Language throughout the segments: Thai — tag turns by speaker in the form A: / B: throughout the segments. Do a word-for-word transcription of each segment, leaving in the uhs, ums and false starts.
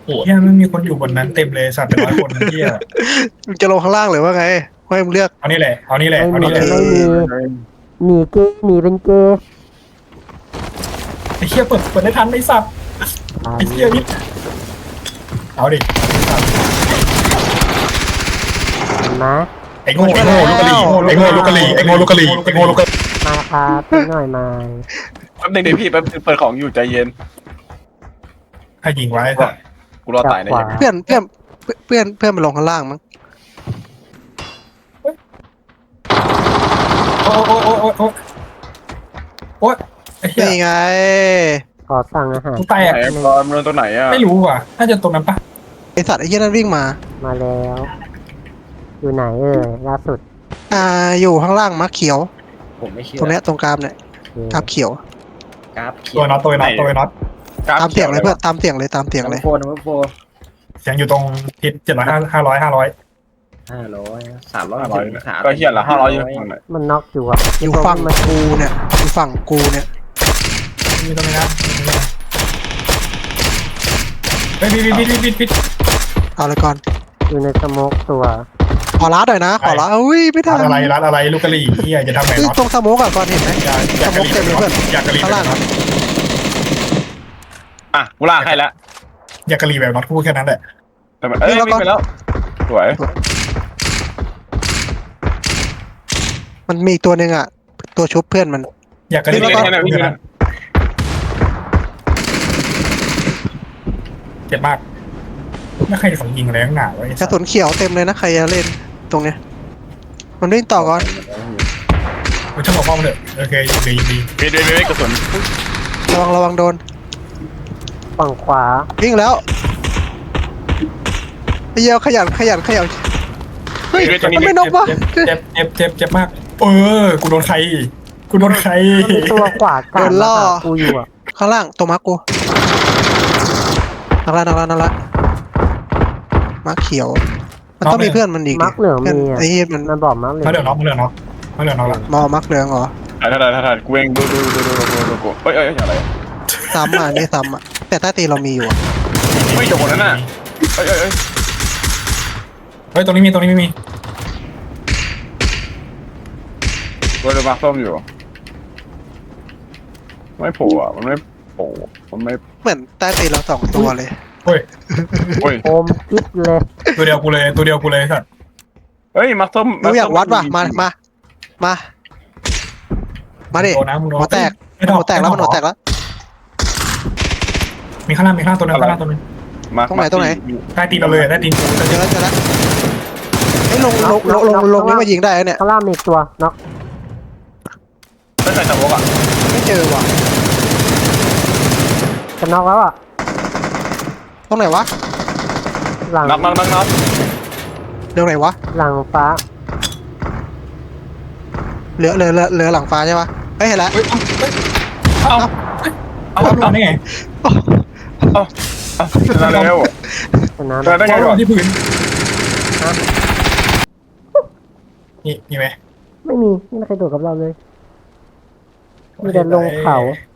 A: โอ้เฮียไม่มีคนอยู่บนนั้นเต็มเลยสัตว์เป็นร้อยคนเฮีย
B: มึงจะลงข้างล่างหรือว่าไงให้มึงเลือก
A: เอานี่แหละเอานี่แหละ
C: ไม่
A: เอา
C: มี
A: นี่แหละ
C: ไม่มีหนีเกย์หนีเป็นเกย์
A: ไอ้เฮียเปิดเปิดได้ทันไอ้สัตว์ไอ้เฮียนี่เอาดิ
C: เห็นไหม
A: ไอ้โง่ไอ้โง่ลูกกะหรี่ไอ้โง่ลูกกะหรี่ไอ้โง่ลูกกะหรี่ไอ้โง่ลูกกะหรี่
C: มาครับพี่หน่อยมา
D: แป๊บนึงเดี๋ยวพี่แป๊บนึงเปิดของอยู่ใจเย็น
A: ให้ยิงไว้สัตว์
D: กูรอตายนะ
C: ขวา
D: เย็น
B: เพื่อนเพื่อนเพื่อนเพื่อนมาลงข้างล่างมั้ง
A: โอ้โอ้โอ้โอ้โอ้โอ้ไอ้เฮีย
B: นี่ไง
C: ขอสั่งอาหาร
A: กูแตก
D: ไหนบอลมันตัวไหนอ่ะ
A: ไม่รู้ว่ะน่าจะตรงนั้นปะ
B: ไอสัตว์ไอ้เหี้ยนั่นวิ่งมา
C: มาแล้ว อยู่ไหนเอ่ยล่าสุด
B: อ่าอยู่ข้างล่างมะเขียว
E: ผมไม่เชื่อ
B: ตรงเนี้ยตรงกลางเนี่ย
C: โอเค
B: กราบเขียว
E: กราฟเขี
A: ตั
E: ยว ว
A: น็อตตัวน็อตตัวน็อต
B: ตามเสียงเลยเพื่อนตามเสียงเลยตามเสียง
E: นัม
B: เล
E: เบอย ร์โฟร์นัมเบอร์โฟร์
A: เสียงอยู่ตรงทิศเจ็ดร้อยห้าห้าร้อยห้าร้อย
E: ห้าร้อยสามร้อย
D: ห้าร้อย
E: ถึงสาม
D: ก็เฮียละห้าร้อยอยู่ฝั่งไหน
C: มันน็อกอยู่อ่ะ
B: อยู่ฝั่งกูเนี่ยอยู่ฝั่งกูเนี่ย
A: มีตรงนี้นะเฮ้ยปิดปิดปิดปิดปิด
B: เอาเลยก่อน
C: อยู่ในสโมกตัว
B: ขอร้านหน่อยนะ ขอร้านอุ้ยไม่ได้
A: ร้านอะไรร้านอะไรลูกกะหรี่เฮียจะทำไง
B: เฮ้ย
A: น็อต
B: ตรงสโมกอะก่อนเห็นไหม
A: อยากอยากกะหรี่
B: สโมกเต็มเลยเพื่อน
A: อยากกะหรี่
B: ข้าง
A: แบบ
B: ล่าง
A: น็อต
D: อ่ะกูลากให้แล้ว
A: อยากกะหรี่แบบน็อตพูดแค่นั้นแหละ
D: แต่มันเอ้ยวิ่งไปแล้วสวย
B: มันมีอีกตัวหนึ่งอะตัวชุบเพื่อนมัน
A: อยากกะหรี่
D: วิ่ง
A: แบบ
D: แค่
A: น็อ
D: นั้น
A: ต
D: วิ่ง
A: พูด
D: แค่
A: แค่
D: นั้
A: นั้น นเจ็บมากไม่ใครของยิงอะไรข้างหน้าวะไอ้
B: ก
A: สั
B: ระ
A: ตว์
B: สุนเขียวเต็มเลยนะใครจะเล่นตรงเนี้ยมันวิ่งต่อก่อน
A: กูช่างบอกพ่อมันเถอะโอเคยิงดียิงดี
D: มีด้วยมีกระสุน
B: ระวังระวังโดน
C: ฝั่งขวา
B: วิ่งแล้วไอ้เหี้ยขยันขยันขยันเฮ้ย
D: มีด้วยตัวนี้
B: มันไม่นกวะ
A: เจ็บเจ็บเจ็บเจ็บมากเออกูโดนใครกูโดนใคร
C: มีตัวขวากลางมาหากูอยู่อ่ะ
B: ข้างล่างตัวมาร์กกูนั่นละนั่นละนั่นละมาร์กเขียว มันต้องมีเพื่อนมันอีก
C: มักเหลือง
B: เพื่อน
C: มีอ่ะ
B: ไอ้เหี้ยมัน
C: มันบอกมักเหลือง
A: มาเหลือน็อกมาเหลือน็อกมาเหลือน็อกละ
B: มอมาร์กเหลืองเหรอ
D: ถ่ายถ่ายถ่ายถ่ายกูเองดูดูดูดูดูดูกูเฮ้ยเอ้ยอะไร
B: ซ้ำอ่ะนี่ซ้ำอ่ะแต่ใต้ตีนเรามีอยู่อะ
D: ไม่โดนนั่นน่ะเอ้ยเอ้ยเอ้ย
A: เฮ้ยตรงนี้มีตรงนี้ไม่มี
D: กูจะมาส้มอยู่ไม่โผล่อ่ะมันไม่โผล่มันไม่
B: เหมือนใต้ตีนเราสองตัวเลย
A: เฮ้ย
D: โอ้ย
C: โอมกิ๊บเลย
A: ตัวเดียวกูเลยตัวเดียวกูเลยสัตว์
D: เฮ้ยมาส้ม
B: มึงอยากวัดป่ะมามามามาดิ
A: โดนนะมึงโดน
B: หัวแตก
A: ไม่
B: หัวแตกแล้วมันหัวแตกแล้ว
A: มีข้างล่างมีข้างล่างตัวนึงข้างล่างตัวนึง
D: มา
B: ตรงไหนตรงไหน
A: ใต้ตีนเราเลยใต้ตีนกู
B: เจอแล้วเจอแล้วไอ้ยลงลงลงลงลงนี่มายิงได้แล้วเนี่ย
C: ข้างล่างมีอีกตัวน็อก
D: ไม่ใส่สมองอ่ะ
B: ไม่เจอว่ะ
C: จะน็อกแล้วอ่ะ
B: ตรงไหนวะ
C: หลัง
D: นับนับนับนับ
B: เรื่องไหนวะ
C: หลังฟ้า
B: เหลือเหลือเหลือเหลือหลังฟ้าใช่ปะเฮ้ยเห็นแล้ว
A: เฮ้ยเอ้าเอาเอาเอาได้ไง
D: เอ้าเอ้าชนะแล้ว
C: ชนะ
D: ชนะได้ไง
A: เอา
D: วะ
A: ที่พื้นนี่มีไหม
C: ไม่มีไม่มีใครโดดกับเราเลย มีแต่ลงเขา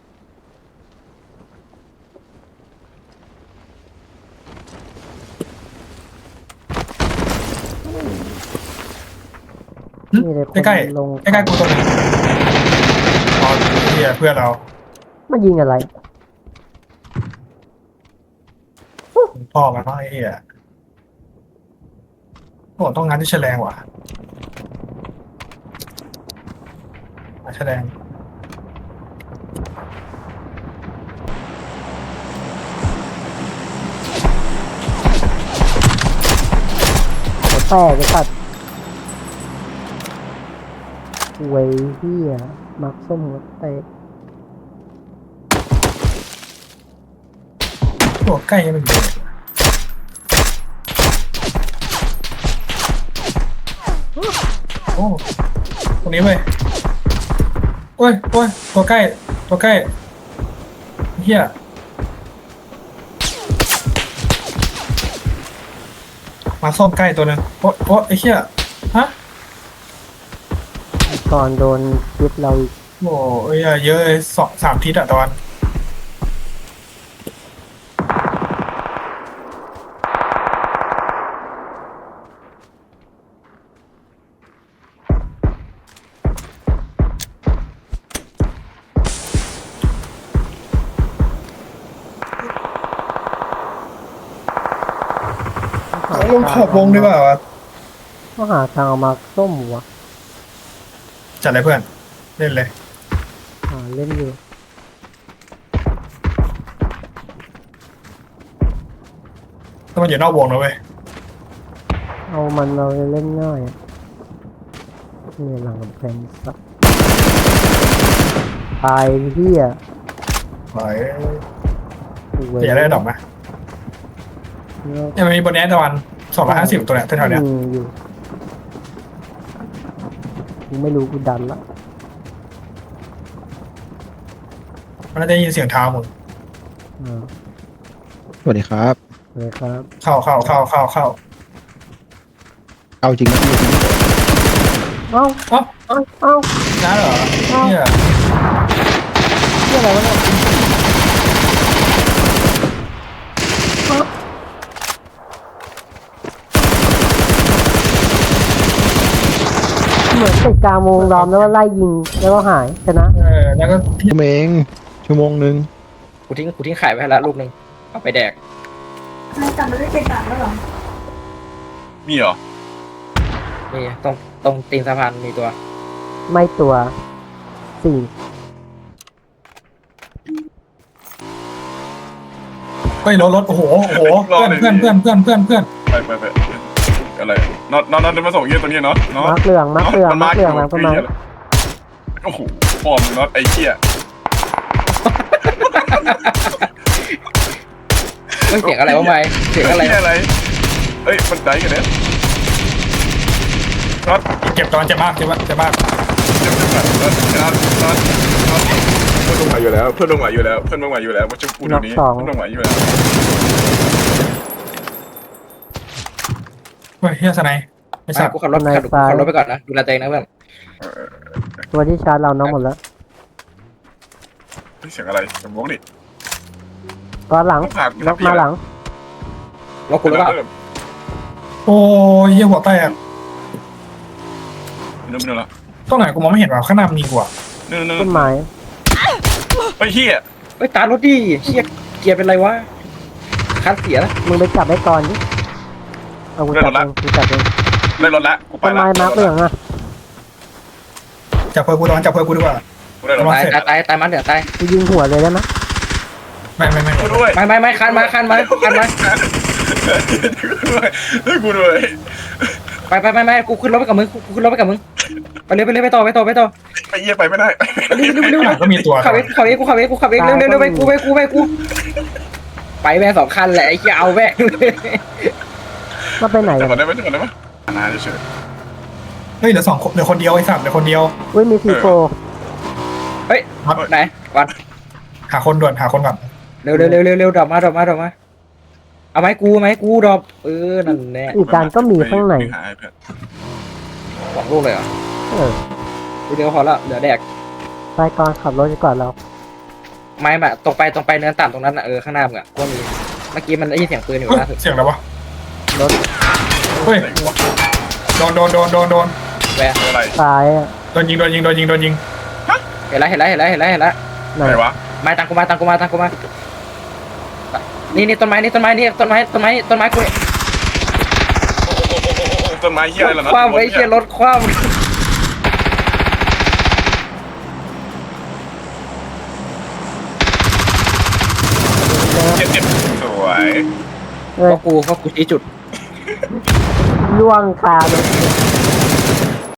C: มีแต่คน
A: ใกล้
C: ลง
A: ๆใกล้ๆกูตัวนึงอ๋อเฮียเพื่อนเรา
C: มันยิงอะไร
A: พ่อมันพ่อไอ้เฮียโอ้ต้องงานที่แฉลงว่ะแฉลง
C: หัวแตกไอ้สัตว์เว้ยเฮียมักส้มหัวแตก
A: ตัวใกล้ยังไม่อยู่โอ้ตรงนี้เว้ยโอ้ยโอ้ยตัวใกล้ตัวใกล้เฮียมาส้มใกล้ตัวนึงโอ้โอ้ไอ้เฮียฮะ
C: ก่อนโดนยึดเราอีก
A: โอ้ยเยอะเลยสองสามทิศอะตอนลงขอบวงดีกว่าวะ
C: ก็หาทางเอามาส้มวะ
A: จัดเลยเพื่อนเล่นเลย
C: หาเล่นอยู่
A: ถ้ามันอยู่นอกวงนะเว้ย
C: เอามันเราเล่นง่ายอะนี่หลังกำแพงสักตายเหี้ย
A: หอย
C: เว้ย
A: จะได้ดอกไหมยังมีบนนี้ตะวันสองร้อยห้าสิบตัวเนี้ยแถวๆเนี้ย
C: มีอยู่กูไม่รู้กูดันละ
A: มันน่าจะได้ยินเสียงเท้ามึง
C: อ่า
B: สวัสดีครับ
C: เลยครับ
A: เข้าเข้าเข้าเข้าเข้า
B: เอาจริงนะพี่
C: เอ้า
A: เอ้า
C: เอ้าเอ้า
A: น้าเหรอเนี่ย
C: เหี้ยอะไรวะเนี่ยเอ้าเหมือนติดกลางวงล้อมแล้วก็ไล่ยิงแล้วก็หายชนะ
A: เออแล้วก็ที่
B: ชั่วโมงชั่วโมงหนึ่ง
E: กูทิ้งกูทิ้งไข่ไว้ให้ละลูกหนึ่งเอาไปแดก
F: นายกลับมาได้เป็นต่างแล้วเหรอ
D: มีเหรอ
E: นี่ตรงตรงตีนสะพานมีตัว
C: ไม่ตัวสี่
A: เฮ้ยรถรถโอ้โหโอ้โหเพื่อนเพื่อนเพื่อนเพื่อนเพื่อนเพื่อน
D: ไปไปไปอะไรน็อตน็อตน็อตจะมาส่งเยี่ยตัวนี้เนาะเนาะ
C: มาร์กเหลืองมาร์กเหลืองมาร์กเหลืองหลังต้นไม้
D: โอ้โหฟอร์มน็อตไอ้เหี้ย
E: เฮ้ยเสียงอะไรวะไม่เสียงอะไร
D: เหี้ยอะไรเอ้ยมันใจกันเนี่ยน็อต
A: เก็บตอนเจ็บมากเจ็บมากเจ็บมาก
D: เจ็บจังน็อตน็อตน็อตน็อตเพื่อนลงมาอยู่แล้วเพื่อนลงมาอยู่แล้วเพื่อนลงมาอยู่แล้วมาช่วยกูเดี๋ยวนี้เพื่อนลงมาอยู่แล้ว
A: เฮ้ยเฮียสไนไม่
E: ไม่
A: ทราบ
E: กูขับรถขับขับรถไปก่อนนะดูแลตัวเองนะเพื่อน
C: ตัวที่ชาร์จเราน้องหมดแล้ว
D: เสียงอะไรเสียงวงดิ
C: ก็หลัง
D: ผ่าน
C: ล็อกมาหลัง
E: รถกูหรือเปล่า
A: โอ้ยเฮียหัวแตก
D: เนื้อเนื้อละ
A: ตรงไหนกูมองไม่เห็นว่าข้างหน้ามีกว่า
D: เนื้อเนื้อ
C: ต้นไม้
D: ไอ้เหี้ย
E: เฮ้ยตารถดิเชี่ยเกียร์เป็นไรวะคันเสียแล้ว
C: มึงไปจับไอ้กรดิเอากูจับเองกูจับเอง
D: ได้รถละกูไป
C: ต้น
D: ละ
C: ไม้มาร์กเหลืองอะ
A: จับเพื่อนกูตอนจับเพื่อนกูดีกว่า
D: กูได้รถ
E: ตายตายตายตายมันเดี๋ยวตาย
C: กูยิงหัวเลยได้ไหม
A: ไม่ไม่ไม่
D: กูด้วย
E: ไม่ไม่ไม่คันมาคันมาคันมา
D: ด้วยกูด้วย
E: ไปไปไปไปกูขึ้นรถไปกับมึงกูขึ้นรถไปกับมึงไปเลยไปเลยไปต่อไปต่อไปต่อ
D: ไปเยี่ยไปไม่ได้
E: เร็วเร็วเร็ว
A: ข้างหลังก็มีตัว
E: ขับเองขับเองกูขับเองกูขับเองเร็วเร็วเร็วไปกูไปกูไปกูไปแม่งสองคันแหละไอ้เหี้ยเอาแม่งเลย
C: มาไปไหน
D: จะ
C: กั
D: ก่อน
C: น
D: ได้ไหมจะก่อนได้ไหมนาเฉย
A: เฮ้ยเหลือสองคนเหลือคนเดียวไอ้สัตว์เหลือคนเดียว
C: อุ้ยมีซีโฟ
E: เฮ้ยไหนก่อน
A: หาคนด่วนหาคนก่อน
E: เร็วเร็วเร็วเร็วเร็วดรอปมาดรอปมาดรอปมาเอาไหมกูไหมกูดรอปเออนั่นแน่
C: อีกการก็มีข้างใน
E: สองลูกเลยเหรอ
C: เออ
E: ดูเดียวพอละเหลือแดก
C: ไปก่อนขับรถดีกว่าเรา
E: ไม่แบบตรงไปตรงไปเนินต่ำตรงนั้นอ่ะเออข้างหน้ามึงอ่ะก็มีเมื่อกี้มันได้ยินเสียงปืนอยู่
A: เฮ้ย
E: ล่าสุด
A: เสียงอะไรวะ
C: รถ
A: เฮ้ยโดนโดนโดนโดนโดน
E: แวะ
D: อะไร
C: ซ้ายอะ
A: โดนยิงโดนยิงโดนยิงโดนยิง
E: เห็นแล้วเห็นแล้วเห็นแล้วเห็นแล้วเห็นแล้ว
C: ไหน
D: ไหนวะ
E: มาตังกูมาตังกูมาตังกูมานี่นี่ต้นไม้นี่ต้นไม้นี่ต้นไม้ต้นไม้ต้นไม้กู
D: ต้นไม้เหี้ยอะไรล่ะ
E: คว้าไว้เชี่ยรถคว้า
D: เจ็บเจ็บสวย
C: เอ้ย
E: ก็กูก็กูชี้จุด
C: ล่วงคาเลย